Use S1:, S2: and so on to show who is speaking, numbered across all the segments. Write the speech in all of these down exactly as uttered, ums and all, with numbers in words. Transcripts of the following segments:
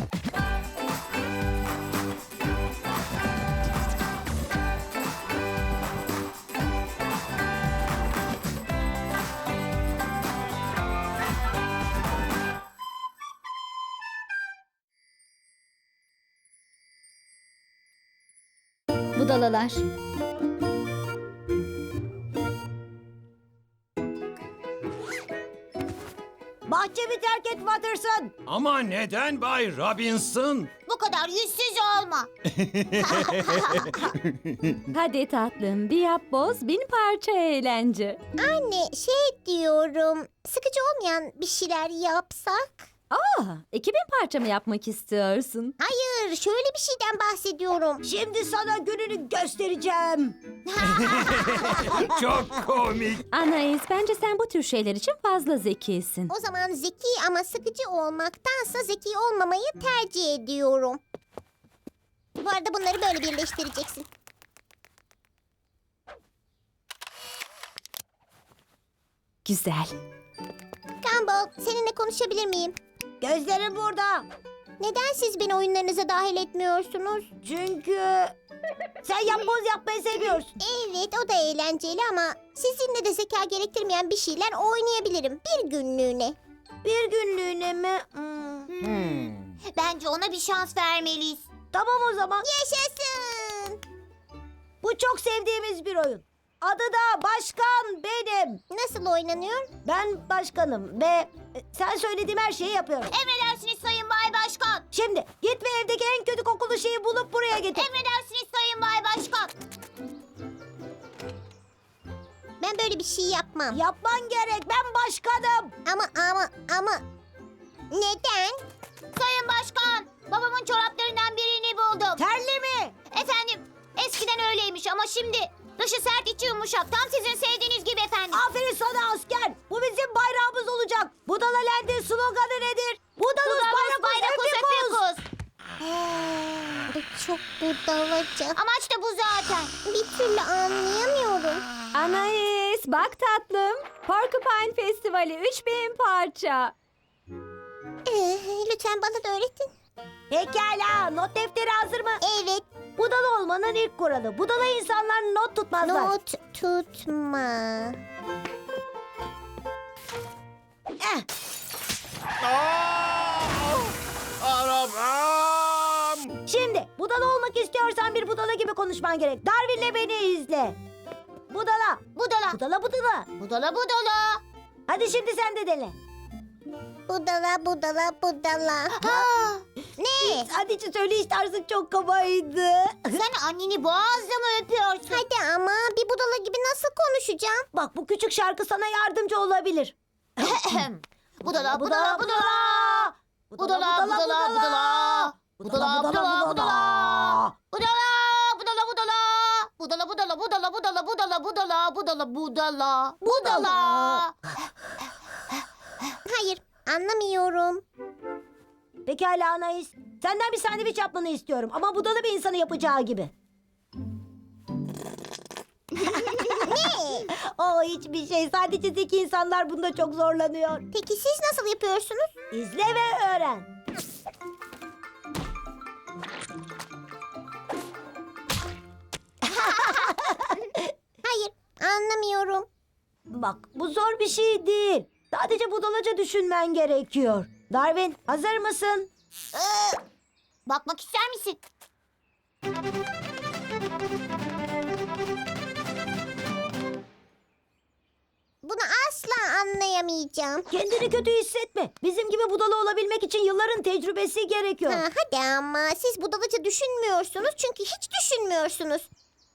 S1: Budalalar.
S2: Bahçemi terk et Watterson.
S3: Ama neden Bay Robinson?
S4: Bu kadar yüzsüz olma.
S5: Hadi tatlım, bir yap boz, bin parça eğlence.
S4: Anne şey diyorum, sıkıcı olmayan bir şeyler yapsak?
S5: Aa, iki bin parça mı yapmak istiyorsun?
S4: Hayır, şöyle bir şeyden bahsediyorum.
S2: Şimdi sana gününü göstereceğim.
S3: Çok komik.
S5: Anais, bence sen bu tür şeyler için fazla zekisin.
S4: O zaman zeki ama sıkıcı olmaktansa zeki olmamayı tercih ediyorum. Bu arada bunları böyle birleştireceksin.
S5: Güzel.
S4: Gumball, seninle konuşabilir miyim?
S2: Gözlerim burada.
S4: Neden siz beni oyunlarınıza dahil etmiyorsunuz?
S2: Çünkü sen yapboz yapmayı seviyorsun.
S4: Evet, o da eğlenceli ama sizinle de zeka gerektirmeyen bir şeyler oynayabilirim bir günlüğüne.
S2: Bir günlüğüne mi? Hmm.
S3: Hmm.
S4: Bence ona bir şans vermeliyiz.
S2: Tamam o zaman.
S4: Yaşasın!
S2: Bu çok sevdiğimiz bir oyun. Adı da Başkan Benim.
S4: Nasıl oynanıyor?
S2: Ben başkanım ve e, sen söylediğim her şeyi yapıyorum.
S4: Emredersiniz Sayın Bay Başkan.
S2: Şimdi git ve evdeki en kötü kokulu şeyi bulup buraya getir.
S4: Emredersiniz Sayın Bay Başkan. Ben böyle bir şey yapmam.
S2: Yapman gerek. Ben başkanım.
S4: Ama ama ama neden? Sayın Başkan, babamın çoraplarından birini buldum.
S2: Terli mi?
S4: Efendim, eskiden öyleymiş ama şimdi dışı sert içi yumuşak. Tam sizin sevdiğiniz gibi efendim.
S2: Aferin sana asker. Bu bizim bayrağımız olacak. Budala Land'in sloganı nedir? Budalus
S4: Budalus
S2: bayrakus epikus.
S4: Bu çok budalaca. Amaç da bu zaten. Bir türlü anlayamıyorum.
S5: Anais, bak tatlım. Porcupine Festivali üç bin parça.
S4: Ee, lütfen bana da öğretin.
S2: Pekala. Not defteri hazır mı?
S4: Evet,
S2: Budala olmanın ilk kuralı. Budala insanlar not tutmazlar.
S4: not tutma.
S2: Eh,
S3: Aa! Arabam!
S2: Şimdi budala olmak istiyorsan bir budala gibi konuşman gerek. Darwin'le beni izle. Budala.
S4: Budala.
S2: Budala budala.
S4: Budala budala.
S2: Hadi şimdi sen de dene.
S4: Budala budala budala. Ha, ne?
S2: Hadi söyleyiş tarzın çok kabaydı.
S4: Sen anneni boğazla mı öpüyorsun? Hadi ama bir budala gibi nasıl konuşacağım?
S2: Bak bu küçük şarkı sana yardımcı olabilir.
S4: budala budala budala. Budala budala budala. Budala budala budala. Budala budala budala. Budala budala budala budala budala budala budala budala. Budala. Hayır, anlamıyorum.
S2: Pekala Anais. Senden bir sandviç yapmanı istiyorum. Ama budala bir insanı yapacağı gibi.
S4: Ne?
S2: O hiçbir şey. Sadece zeki insanlar bunda çok zorlanıyor.
S4: Peki siz nasıl yapıyorsunuz?
S2: İzle ve öğren.
S4: Hayır, anlamıyorum.
S2: Bak bu zor bir şey değil. Sadece budalaca düşünmen gerekiyor. Darwin hazır mısın?
S4: Ee, bakmak ister misin? Bunu asla anlayamayacağım.
S2: Kendini kötü hissetme. Bizim gibi budala olabilmek için yılların tecrübesi gerekiyor.
S4: Ha, hadi ama siz budalaca düşünmüyorsunuz çünkü hiç düşünmüyorsunuz.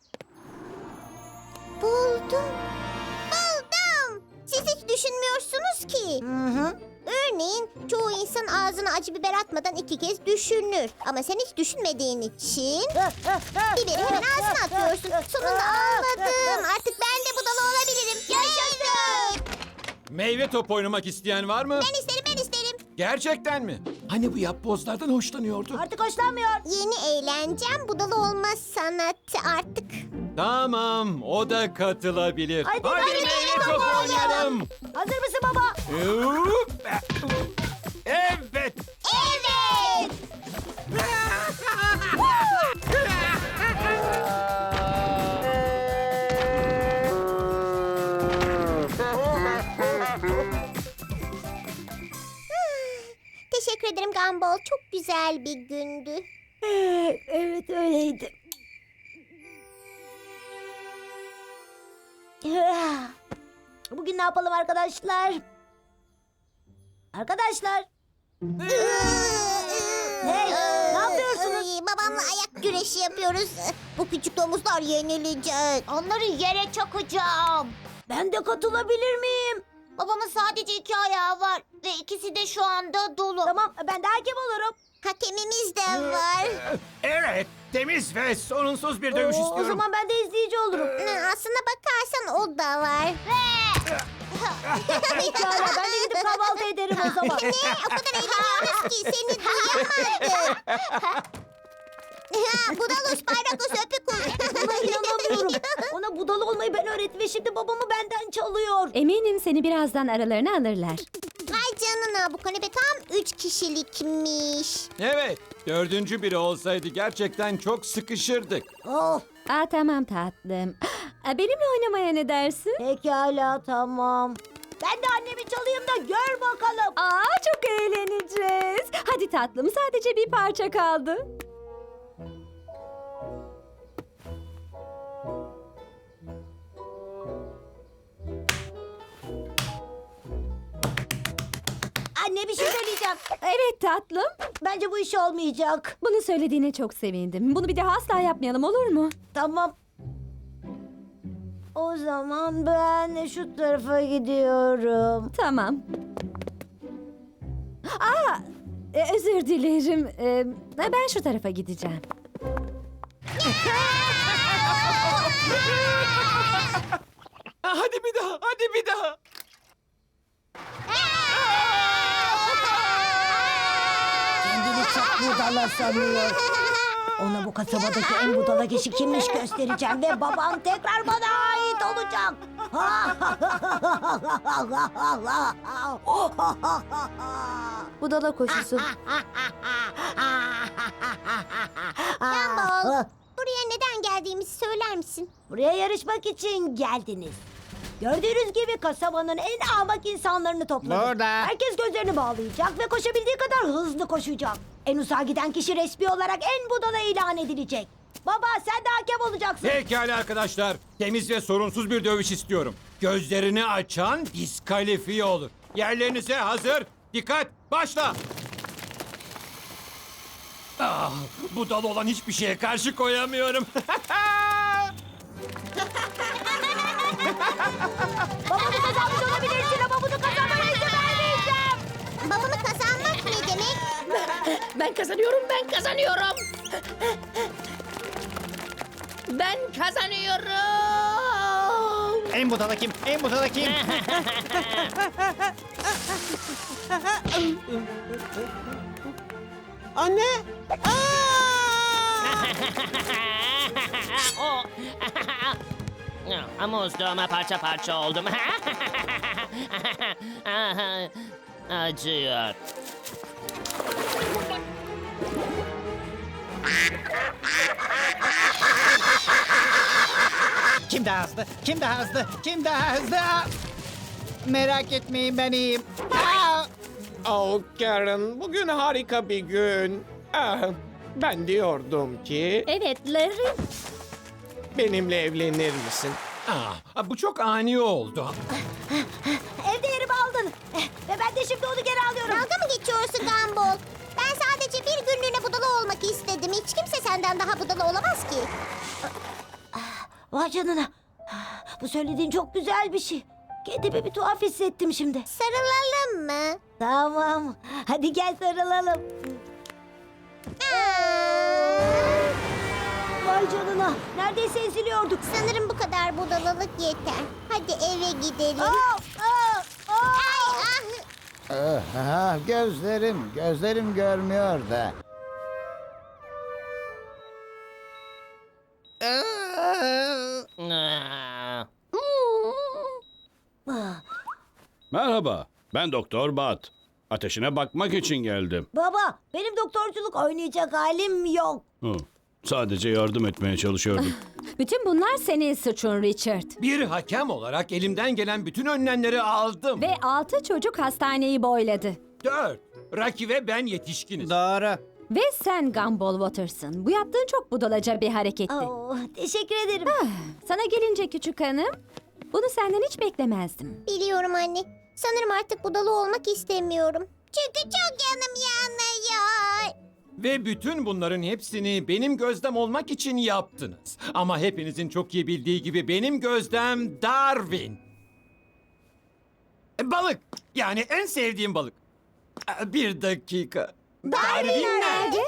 S4: Buldum. Buldum. Siz hiç düşünmüyorsunuz ki.
S2: Hı hı.
S4: Örneğin çoğu insan ağzına acı biber atmadan iki kez düşünür. Ama sen hiç düşünmediğin için biberi hemen ağzına atıyorsun. Sonunda anladım. Artık ben de budala olabilirim. Yaşasın.
S3: Meyve top oynamak isteyen var mı?
S4: Ben isterim, ben isterim.
S3: Gerçekten mi? Hani bu yapbozlardan hoşlanıyordu?
S2: Artık hoşlanmıyor.
S4: Yeni eğlencem budala olma sanatı artık.
S3: Tamam, o da katılabilir.
S2: Hadi,
S3: Hadi
S2: hadi,
S3: meyve
S2: hadi,
S3: top
S2: hadi.
S3: oynayalım.
S2: Hazır mısın baba?
S3: Hop! Evet.
S4: Evet. Gumball? Çok güzel bir gündü.
S2: Evet, evet öyleydi. Bugün ne yapalım arkadaşlar? Arkadaşlar. Hey, ne yapıyorsunuz?
S4: Ay, babamla ayak güreşi yapıyoruz. Bu küçük domuzlar yenilecek. Onları yere çakacağım.
S2: Ben de katılabilir miyim?
S4: Babamın sadece iki ayağı var ve ikisi de şu anda dolu.
S2: Tamam, ben de hakem olurum.
S4: Hakemimiz de var.
S3: Evet, temiz ve sorunsuz bir dövüş
S2: Oo,
S3: istiyorum.
S2: O zaman ben de izleyici olurum.
S4: Hı, Aslına bakarsan o da var.
S2: Pekala, ben de gidip kahvaltı ederim o zaman.
S4: Ne? O kadar eğleniyoruz ki seni duyamadık. Ha, Budalus, Bayrakus, Öpükus.
S2: Buna inanamıyorum. Ona budala olmayı ben öğrettim ve şimdi babamı benden çalıyor.
S5: Eminim seni birazdan aralarına alırlar.
S4: Vay canına, bu kanepe tam üç kişilikmiş.
S3: Evet, dördüncü biri olsaydı gerçekten çok sıkışırdık.
S2: Of,
S5: Aa tamam tatlım. Aa, benimle oynamaya ne dersin?
S2: pekala tamam. Ben de annemi çalayım da gör bakalım.
S5: Aa çok eğleneceğiz. Hadi tatlım sadece bir parça kaldı.
S2: Anne bir şey söyleyeceğim.
S5: Evet tatlım.
S2: Bence bu iş olmayacak.
S5: Bunu söylediğine çok sevindim. Bunu bir daha asla yapmayalım olur mu?
S2: Tamam. O zaman ben şu tarafa gidiyorum.
S5: Tamam. Aa, e, özür dilerim. E, ben şu tarafa gideceğim.
S3: Ha, hadi bir daha, hadi bir daha.
S2: Kendini çok budala sanıyor. Ona bu kasabadaki en budala kişi kimmiş göstereceğim ve babam tekrar bana ait olacak. Budala koşusu.
S4: Gumball, buraya neden geldiğimizi söyler misin?
S2: Buraya yarışmak için geldiniz. Gördüğünüz gibi kasabanın en ahmak insanlarını topladım.
S1: Burada.
S2: Herkes gözlerini bağlayacak ve koşabildiği kadar hızlı koşacak. En uzağa giden kişi resmi olarak en budala ilan edilecek. Baba sen de hakem olacaksın.
S3: Pekala arkadaşlar, temiz ve sorunsuz bir dövüş istiyorum. Gözlerini açan diskalifiye olur. Yerlerinize hazır, dikkat, başla. Ah, budala olan hiçbir şeye karşı koyamıyorum.
S2: Babamı kazanmış olabilirsin ama bunu kazanmana izin vermeyeceğim.
S4: Babamı kazanmak ne demek?
S6: Ben kazanıyorum, ben kazanıyorum. Ben kazanıyorum.
S1: En budala kim? En budala kim?
S7: Anne!
S6: O. Ama uzduğuma parça parça oldum. Acıyor.
S1: Kim daha hızlı? Kim daha hızlı? Kim daha hızlı? Aa! Merak etmeyin ben iyiyim. Aa!
S7: Oh Karen, bugün harika bir gün. Ah, ben diyordum ki
S5: Evet Larry.
S7: benimle evlenir misin?
S3: Ah, bu çok ani oldu.
S2: Evde yerimi aldın. Ve ben de şimdi onu geri alıyorum.
S4: Dalga mı geçiyorsun Gumball? Ben sadece bir günlüğüne budala olmak istedim. Hiç kimse senden daha budala olamaz ki.
S2: Vay canına. Bu söylediğin çok güzel bir şey. Kendimi bir tuhaf hissettim şimdi.
S4: Sarılalım mı?
S2: Tamam. Hadi gel sarılalım. Vay canına. Neredeyse eziliyorduk.
S4: Sanırım bu kadar budalalık yeter. Hadi eve gidelim.
S2: Aa, aa, aa.
S4: Ay, ah.
S1: Aha, gözlerim, gözlerim görmüyor da.
S6: Ah.
S2: Ah.
S8: Merhaba, ben Doktor Bat. Ateşine bakmak için geldim.
S2: Baba, benim doktorculuk oynayacak halim yok.
S8: Hı, sadece yardım etmeye çalışıyordum.
S5: Bütün bunlar senin suçun Richard.
S3: Bir hakem olarak elimden gelen bütün önlemleri aldım.
S5: Ve altı çocuk hastaneyi boyladı.
S3: Dört. Rocky ve ben yetişkiniz.
S1: Doğru.
S5: Ve sen Gumball Waters'ın. Bu yaptığın çok budalaca bir hareketti.
S2: Oh, teşekkür ederim.
S5: Sana gelince küçük hanım, bunu senden hiç beklemezdim.
S4: Biliyorum anne. Sanırım artık budalı olmak istemiyorum. Çünkü çok yanım yanıyor.
S3: Ve bütün bunların hepsini benim gözdem olmak için yaptınız. Ama hepinizin çok iyi bildiği gibi benim gözdem Darwin. E, Balık. Yani en sevdiğim balık. E, Bir dakika. Darwin nerede?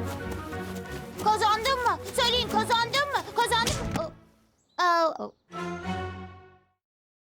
S4: Kazandın mı? Söyleyin kazandın mı? Kazandın mı? Oh. Oh.